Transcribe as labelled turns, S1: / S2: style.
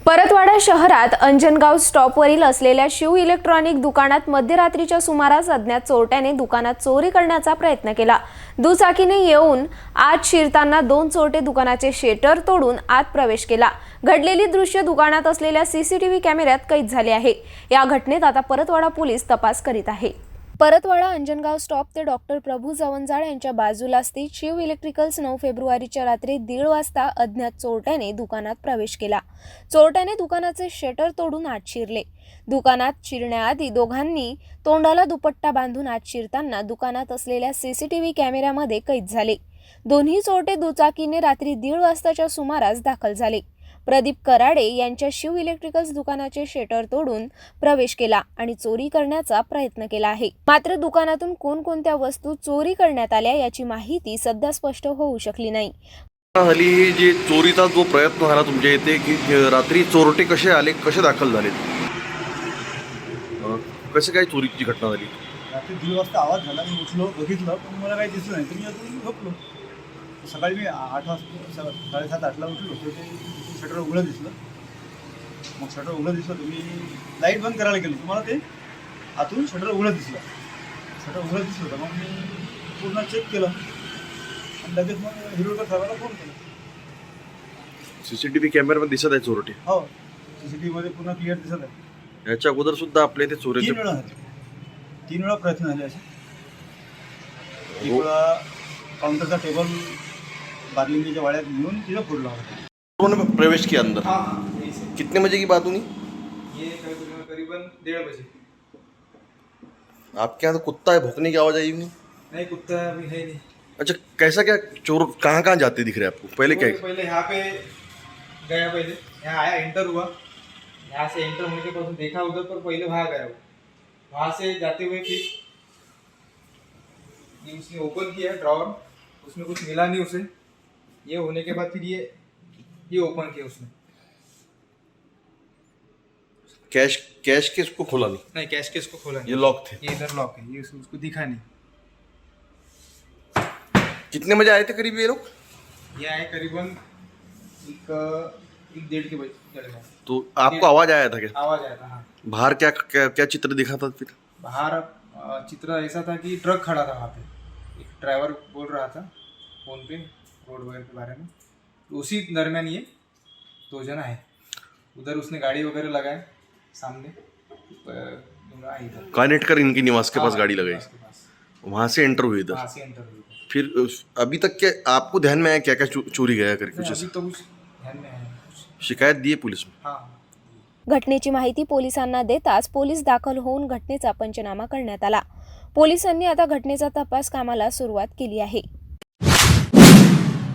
S1: परतवाडा शहरात अंजनगाव स्टॉपवरील असलेल्या शिव इलेक्ट्रॉनिक दुकानात मध्यरात्रीच्या सुमारास अज्ञात चोरट्याने दुकानात चोरी करण्याचा प्रयत्न केला। दुचाकीने येऊन आत शिरताना दोन चोरटे दुकानाचे शटर तोडून आत प्रवेश केला। घडलेली दृश्य दुकानात असलेल्या सीसीटीव्ही कॅमेऱ्यात कैद झाले आहे। या घटनेत आता परतवाडा पोलीस तपास करीत आहे। परतवाडा अंजनगाव स्टॉप ते डॉक्टर प्रभू जवंजाळ यांच्या बाजूला स्थित शिव इलेक्ट्रिकल्स 9 फेब्रुवारीच्या रात्री 1:30 वाजता अज्ञात चोरट्याने दुकानात प्रवेश केला। चोरट्याने दुकानाचे शटर तोडून आत शिरले। दुकानात शिरण्याआधी दोघांनी तोंडाला दुपट्टा बांधून आत शिरताना दुकानात असलेल्या सीसीटीव्ही कॅमेऱ्यामध्ये कैद झाले। दोन्ही चोरटे दुचाकीने रात्री 1:30 वाजताच्या सुमारास दाखल झाले। प्रदीप कराडे यांच्या शिव इलेक्ट्रिकल्स दुकानाचे शटर तोडून प्रवेश केला आणि चोरी करण्याचा प्रयत्न केला आहे। मात्र दुकानातून कोणकोणत्या वस्तू चोरी करण्यात आल्या याची माहिती सध्या स्पष्ट होऊ शकली नाही।
S2: हल्ली जे चोरीचा जो प्रयत्न झाला तुमच्या इथे की रात्री चोरटे कसे आले, कसे दाखल झाले, कसे काय चोरीची घटना झाली?
S3: रात्री 1:30 वाजता आवाज झाला, मी उठलो, बघितलं पण मला काही दिसलं नाही, तर मी अजून झोपलो। सकाळी मी 8 वाजता 7:30-8ला उठलो, तर ते शटर उघडं दिसलं। मग शटर उघडं दिसलं तर मी लाईट बंद करायला गेलो, तुम्हाला ते आतून शटर उघडं दिसलं। शटर उघडं दिसलं तर मग मी पूर्ण चेक केलं आणि लगेच मग हिरोकर साहेबांना फोन केला।
S2: सीसीटीव्ही कॅमेऱ्यामध्ये दिसत आहे चोरटे?
S3: हो, सीसीटीव्हीमध्ये पूर्ण क्लिअर दिसत आहे।
S2: याच्या अगोदर सुद्धा आपल्या इथे चोरीचे
S3: 3 वेळा झाले, 3 वेळा प्रयत्न झाले असे। एक वेळा काउंटरचा टेबल बार्लिंगीच्या वाड्यात घेऊन तिथं फोडला होता।
S2: उन्होंने प्रवेश किया अंदर?
S3: हाँ,
S2: कितने बजे की बात हुई?
S3: ये करीबन 1:30 बजे।
S2: आपके यहाँ तो कुत्ता है, भौंकने की आवाज आई नहीं?
S3: नहीं, कुत्ता अभी है नहीं।
S2: अच्छा, कैसा क्या चोर कहाँ कहाँ जाते दिख रहे हैं आपको? पहले क्या
S3: पहले यहाँ पे गया, पहले यहाँ आया, एंटर हुआ, यहाँ से एंटर होने के बाद देखा उधर, पर पहले वहाँ गया वो। वहाँ से जाते हुए फिर ये उसने ओपन किया ड्रॉवर, उसमें कुछ मिला नहीं उसे। ये होने के बाद फिर ये ओपन किया उसने।
S2: कैश के इसको खोला नहीं?
S3: नहीं, कैश केस को खोला नहीं,
S2: ये लॉक थे?
S3: ये इधर लॉक है, ये उसको दिखा नहीं।
S2: कितने बजे आए थे करीब ये लोग?
S3: ये आए करीबन एक 1:30 के बजे।
S2: तो आपको आवाज आया था क्या?
S3: आवाज आया था, हाँ।
S2: बाहर क्या क्या क्या चित्र दिखा था फिर?
S3: बाहर चित्र ऐसा था कि ट्रक खड़ा था वहाँ पे। एक ड्राइवर बोल रहा था फोन पे रोड वगैरह के बारे में, तो उसी दरमियान ये 2 जन आए। उधर उसने गाड़ी वगैरह लगाए सामने, आई इधर
S2: कानेटकर इनके निवास के पास गाड़ी लगाई,
S3: उसके पास।
S2: वहां से एंटर हुई इधर।
S3: वहाँ से एंटर हुई।
S2: फिर अभी तक क्या आपको ध्यान में आया क्या क्या चोरी गया करके कुछ
S3: अभी
S2: ऐसा?
S3: तो कुछ ध्यान में है कुछ।
S2: शिकायत दी है पुलिस में?
S3: हाँ।
S1: घटनेची माहिती पोलिसांना देताच पोलीस दाखल होऊन घटनेचा पंचनामा करण्यात आला। पोलिसांनी आता घटनेचा तपास कामाला सुरुवात केली आहे।